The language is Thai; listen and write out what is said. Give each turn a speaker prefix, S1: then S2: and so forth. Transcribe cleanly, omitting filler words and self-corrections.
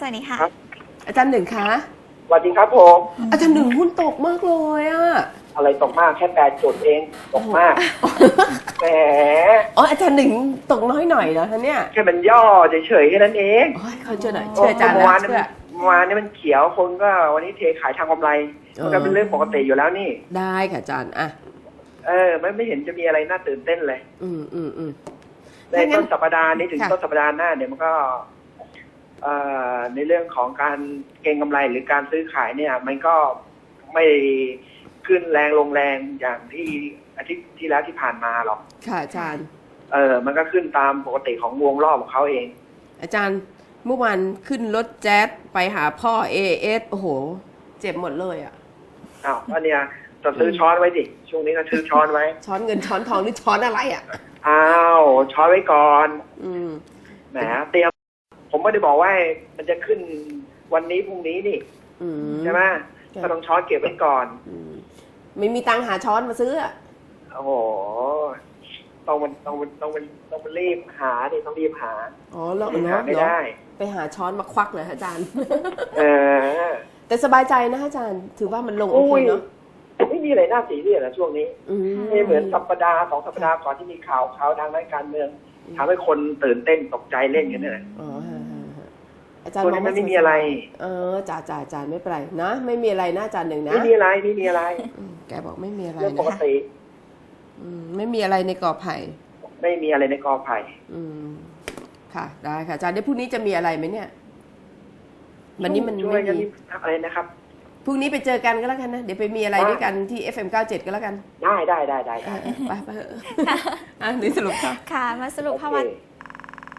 S1: วัสดีค่ะ
S2: ครับ
S3: อาจารย์หนึ่งคะ
S2: สวัสดีครับผม
S3: อาจารย์หนึ่งหุ้นตกมากเลยอะ
S2: อะไรตกมากแค่8 จุดเองตกมากแหม
S3: อ๋ออาจารย์หนึ่งตกน้อยหน่อยเหรอคะเนี่ย
S2: แค่มันย่อเฉยๆแค่นั้นเอง
S3: โอ้ยเขาเชื่อหน่อยเชื่ออาจารย์
S2: เมื่อ
S3: นะ
S2: วาน
S3: เชื่อ
S2: นี้มันเขียวคนก็วันนี้เทขายทางกำไรมันก็เป็นเรื่องปกติอยู่แล้วนี่
S3: ได้ค่ะอาจารย์อ่ะ
S2: ไม่เห็นจะมีอะไรน่าตื่นเต้นเลย
S3: อืม
S2: ในต้นสัปดาห์นี้ถึงต้นสัปดาห์หน้าเนี่ยมันก็ในเรื่องของการเก็งกำไรหรือการซื้อขายเนี่ย มันก็ไม่ขึ้นแรงลงแรงอย่างที่อาทิตย์ที่แล้วที่ผ่านมาหรอก
S3: ค่ะอาจารย์
S2: มันก็ขึ้นตามปกติของวงรอบของเขาเอง
S3: อาจารย์เมื่อวานขึ้นรถแจ๊สไปหาพ่อASโอ้โหเจ็บหมดเลยอ่ะ
S2: อ้าวก็เนี่ยจะซื้อช้อนไว้ดิช่วงนี้ก็ซื้อช้อนไว้
S3: ช้อนเงินช้อนทองหรือช้อนอะไรอ่ะ
S2: อ้าวช้อนไว้ก่อน
S3: อืม
S2: แหมเตรียมผมไม่ได้บอกว่ามันจะขึ้นวันนี้พรุ่งนี้นี่
S3: อืม
S2: ใช่ไหมก็ต้องช้อนเก็บไว้ก่อน
S3: ไม่มีตังค์หาช้อนมาซื้ออ่ะ
S2: โอ้โหต้องรีบหาดิต้องรีบหา
S3: อ๋อแล้ว
S2: หาไม่ได้
S3: ไปหาช้อนมาควักเลยอาจารย์
S2: เออ
S3: แต่สบายใจนะอาจารย์ ถือว่ามันลงโอ
S2: อุ้
S3: เค
S2: ย
S3: เนาะ
S2: ไม่มีอะไรน่าซีเรียสนะช่วงนี้
S3: อืม
S2: ไม่เหมือน2 สัปดาห์ก่อนที่มีข่าวทางด้านการเมืองทำให้คนตื่นเต้นตกใจเล่นกันเนี่ย
S3: อ๋อฮะอาจารย์
S2: ช่วงนี้มันไม่มีอะไร
S3: จ่าอาจารย์ไม่เป็นไรนะไม่มีอะไรนะอาจารย์หนึ่งนะ
S2: ไม่มีอะไร
S3: แกบอกไม่มีอะไร
S2: เรื่อง
S3: นะ
S2: ปกติ
S3: ไม่มีอะไรในกอไผ่
S2: ไม่มีอะไรในกอไผ่
S3: ค่ะได้ค่ะอาจารย์เดี๋ยวพรุ่งนี้จะมีอะไรไหมเนี่ยวันนี้มัน
S2: ช่ว
S3: ไม่
S2: ยกัน
S3: มี
S2: นี่อะไรนะครับ
S3: พรุ่งนี้ไปเจอกันก็แล้วกันนะเดี๋ยวไปมีอะไรด้วยกันที่ FM97 ก็แล้วกัน
S2: ได้
S3: ไปเถอะนี่สรุปค่ะ
S1: ค่ะ มาสรุปภาวะ